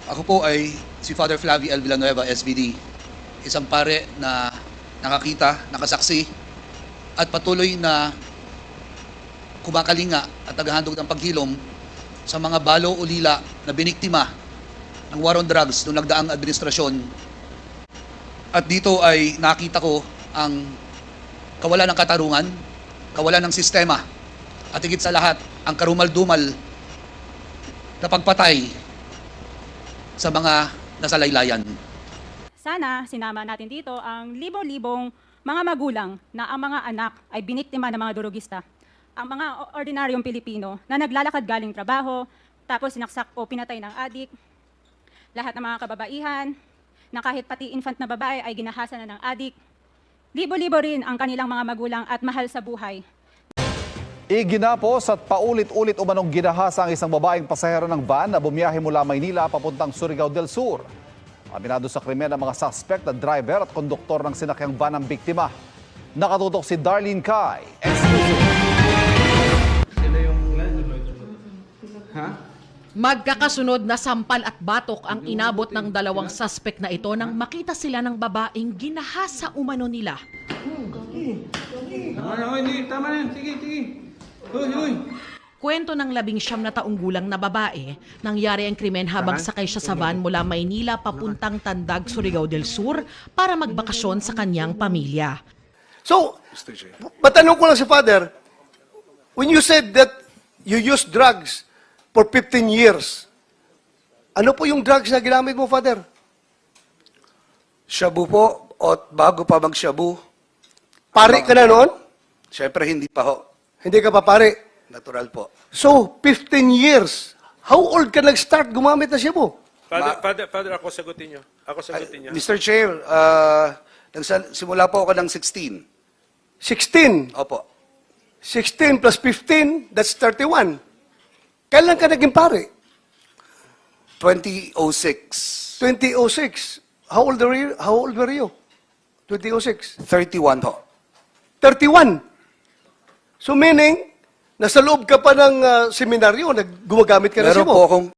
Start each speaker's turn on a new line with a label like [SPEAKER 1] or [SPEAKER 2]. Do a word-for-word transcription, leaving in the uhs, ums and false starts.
[SPEAKER 1] Ako po ay si Father Flavie L. Villanueva, S V D. Isang pare na nakakita, nakasaksi, at patuloy na kumakalinga at naghahandog ng paghilom sa mga balo o lila na biniktima ng war on drugs noong nagdaang administrasyon. At dito ay nakita ko ang kawalan ng katarungan, kawalan ng sistema, at higit sa lahat, ang karumal-dumal na pagpatay sa mga nasalaylayan.
[SPEAKER 2] Sana sinama natin dito ang libo-libong mga magulang na ang mga anak ay biniktima ng mga durugista. Ang mga ordinaryong Pilipino na naglalakad galing trabaho, tapos sinaksak o pinatay ng adik. Lahat ng mga kababaihan, na kahit pati infant na babae ay ginahasa na ng adik. Libo-libo rin ang kanilang mga magulang at mahal sa buhay.
[SPEAKER 3] Iginapos at paulit-ulit umanong ginahasa ang isang babaeng pasahero ng van na bumiyahe mula Maynila papuntang Surigao del Sur. Aminado sa krimen ang mga suspect na driver at konduktor ng sinakyang van ng biktima. Nakatutok si Darlene Kai. Exclusive.
[SPEAKER 4] Sila yung... Ha?
[SPEAKER 5] Magkakasunod na sampal at batok ang inabot ng dalawang suspect na ito nang makita sila ng babaeng ginahasa umano nila.
[SPEAKER 4] Tama na, hindi. Tama na. Sige, sige. Huy, huy.
[SPEAKER 5] Kwento ng labing siyam na taong gulang na babae, nangyari ang krimen habang sakay siya sa van mula Maynila papuntang Tandag, Surigao del Sur para magbakasyon sa kanyang pamilya.
[SPEAKER 6] So, matanong ko lang si Father, when you said that you used drugs for fifteen years, ano po yung drugs na ginamit mo, Father?
[SPEAKER 1] Shabu po, o bago pa mag-shabu.
[SPEAKER 6] Pare ka na noon?
[SPEAKER 1] Siyempre hindi pa ho.
[SPEAKER 6] Hindi ka pa pare.
[SPEAKER 1] Natural po.
[SPEAKER 6] So, fifteen years. How old ka nag-start gumamit na siya po?
[SPEAKER 7] Father,
[SPEAKER 1] Ma-
[SPEAKER 7] Father, Father, ako sagutin niyo. Ako sagutin niyo.
[SPEAKER 1] mister Chair, uh, nagsa- simula po ako ng sixteen.
[SPEAKER 6] sixteen.
[SPEAKER 1] Opo.
[SPEAKER 6] sixteen plus fifteen, that's thirty-one. Kailan ka naging pare?
[SPEAKER 1] twenty oh six.
[SPEAKER 6] twenty oh six. How old were you? How old were you? twenty oh six.
[SPEAKER 1] thirty-one ho.
[SPEAKER 6] thirty-one. So meaning, nasa loob ka pa ng uh, seminaryo, nag gumagamit ka na siya
[SPEAKER 1] Meron
[SPEAKER 6] mo.
[SPEAKER 1] po akong